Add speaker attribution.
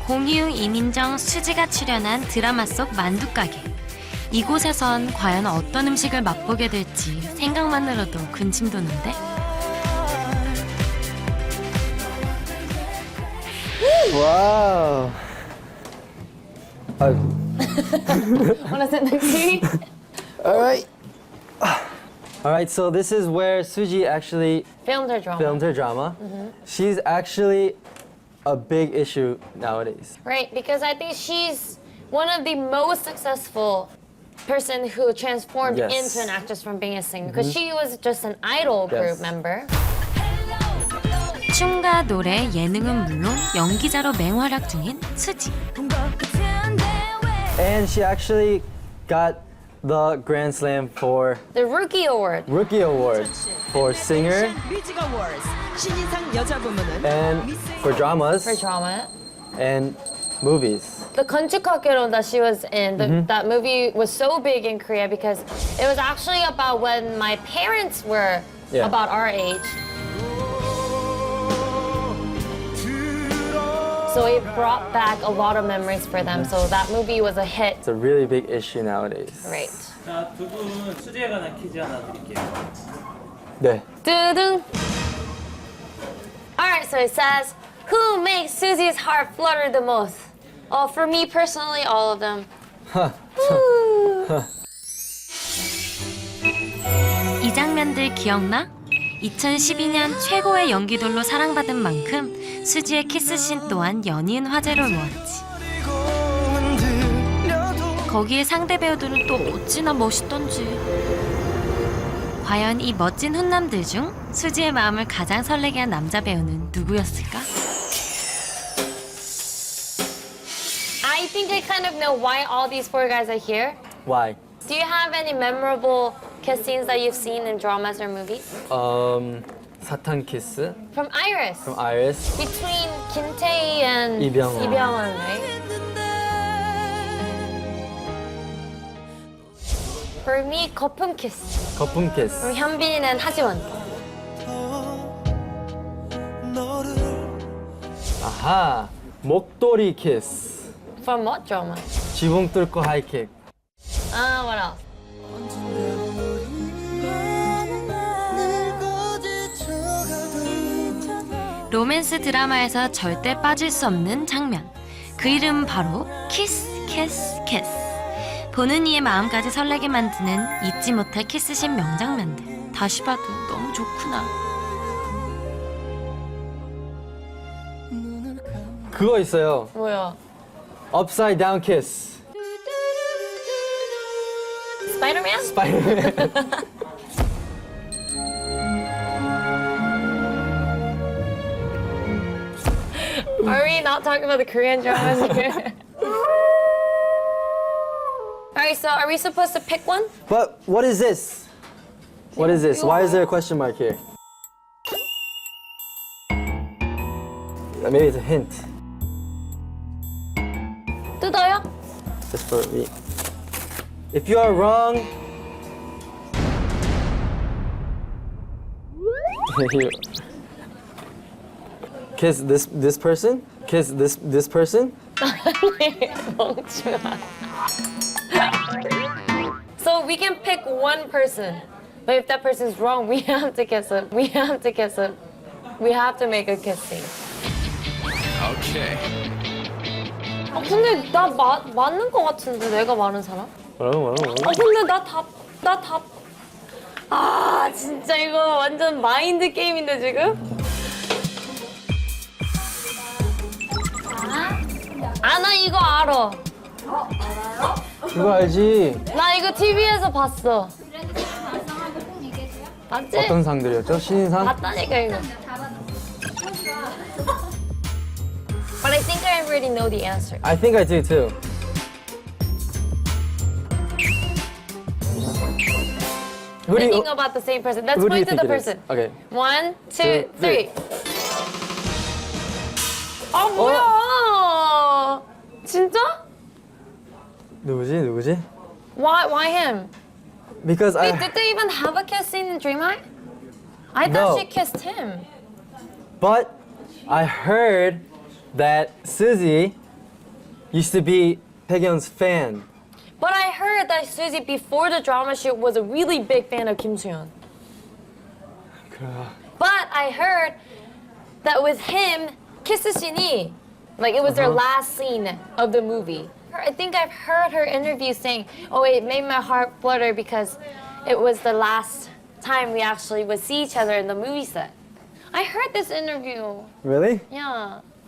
Speaker 1: 공희웅, 이민정, 수지가 출연한 드라마 속 만두가게. 이곳에선 과연 어떤 음식을 맛보게 될지 생각만으로도 군침 도는데.
Speaker 2: Wow.
Speaker 3: Wanna sit next to me?
Speaker 2: All right. All right, so this is where Suji actually
Speaker 3: Filmed her drama.
Speaker 2: filmed her drama. She's actually a big issue nowadays.
Speaker 3: Right, because I think she's one of the most successful person who transformed
Speaker 2: Yes.
Speaker 3: into an actress from being a singer. Because she was just an idol group
Speaker 2: Yes.
Speaker 3: member.
Speaker 1: 춤과 노래, 예능은 물론 연기자로 맹활약 중인 수지.
Speaker 2: And she actually got the Grand Slam for
Speaker 3: The Rookie Award.
Speaker 2: Rookie Award for singer
Speaker 4: 뮤직 어워즈 신인상 여자 부문은
Speaker 2: and for dramas
Speaker 3: For drama.
Speaker 2: and movies.
Speaker 3: The 건축학개론 that she was in, that movie was so big in Korea because it was actually about when my parents were
Speaker 2: Yeah.
Speaker 3: about our age. So it brought back a lot of memories for them. So that movie was a hit.
Speaker 2: It's a really big issue nowadays.
Speaker 3: Right.
Speaker 5: 자, 두 분 수지에 관한 퀴즈 하나 드릴게요.
Speaker 2: 네.
Speaker 3: Doo-doo. Alright, so it says, who makes Susie's heart flutter the most? Oh, for me personally, all of them. Woo.
Speaker 1: 이 장면들 기억나? 2012년 최고의 연기돌로 사랑받은 만큼 수지의 키스씬 또한 연이은 화제를 모았지. 거기에 상대 배우들은 또 어찌나 멋있던지. 과연 이 멋진 훈남들 중 수지의 마음을 가장 설레게 한 남자 배우는 누구였을까?
Speaker 3: I think I kind of know why all these four guys are here.
Speaker 2: Why?
Speaker 3: Do you have any memorable kiss scenes that you've seen in dramas or movies?
Speaker 2: 사탕 키스
Speaker 3: From Iris.
Speaker 2: from Iris.
Speaker 3: Between Kim Tae and
Speaker 2: Lee Byung-won.
Speaker 3: right? For me, 거품 kiss.
Speaker 2: 거품 키스.
Speaker 3: From 현빈 and 하지원.
Speaker 2: 아하. 목도리 키스.
Speaker 3: From what drama?
Speaker 2: 지붕 뚫고 하이킥.
Speaker 3: What else?
Speaker 1: 로맨스 드라마에서 절대 빠질 수 없는 장면. 그 이름 바로 키스, 키스, 키스. 보는 이의 마음까지 설레게 만드는 잊지 못할 키스신 명장면들. 다시 봐도 너무 좋구나.
Speaker 2: 그거 있어요.
Speaker 3: 뭐야?
Speaker 2: Upside down kiss.
Speaker 3: Spider-Man?
Speaker 2: 스파이더맨.
Speaker 3: Are we not talking about the Korean dramas here? Alright, so are we supposed to pick one?
Speaker 2: But what is this? What is this? Why is there a question mark here? Maybe it's a hint.
Speaker 3: 뜯어요?
Speaker 2: Just for me. If you are wrong, here. Kiss this person. Kiss this person.
Speaker 3: 멍청아. So we can pick one person, but if that person's wrong, we have to kiss him. We have to kiss him. We have to make a kiss scene.
Speaker 6: Okay.
Speaker 3: 근데 나 맞는 거 같은데 내가 많은 사람?
Speaker 2: 뭐라고?
Speaker 3: 근데 나 답. 아 진짜 이거 완전 마인드 게임인데 지금? 나 이거 알아.
Speaker 2: 그거 알지?
Speaker 3: 나 이거 TV에서 봤어. 맞지?
Speaker 2: 어떤 상들이었죠? 신인상?
Speaker 3: 봤다니까 이거. But I think I already know the answer.
Speaker 2: I think I do too. Who do
Speaker 3: Thinking
Speaker 2: you,
Speaker 3: about the same person. Let's
Speaker 2: who do you
Speaker 3: point to
Speaker 2: think
Speaker 3: the
Speaker 2: it is?
Speaker 3: person.
Speaker 2: Okay.
Speaker 3: 1, 2,
Speaker 2: Two,
Speaker 3: 3. 아 뭐야? 진짜?
Speaker 2: 누구지?
Speaker 3: Why him?
Speaker 2: Because
Speaker 3: Wait,
Speaker 2: I
Speaker 3: did they even have a kiss scene in Dream High? I
Speaker 2: No.
Speaker 3: thought she kissed him.
Speaker 2: but I heard that Suzy used to be Taehyun's fan.
Speaker 3: But I heard that Suzy before the drama shoot was a really big fan of Kim Soo-hyun. But I heard that with him, kiss scene, like it was their last scene of the movie. I think I've heard her interview saying, "Oh, it made my heart flutter because it was the last time we actually would see each other in the movie set." I heard this interview.
Speaker 2: Really?
Speaker 3: Yeah.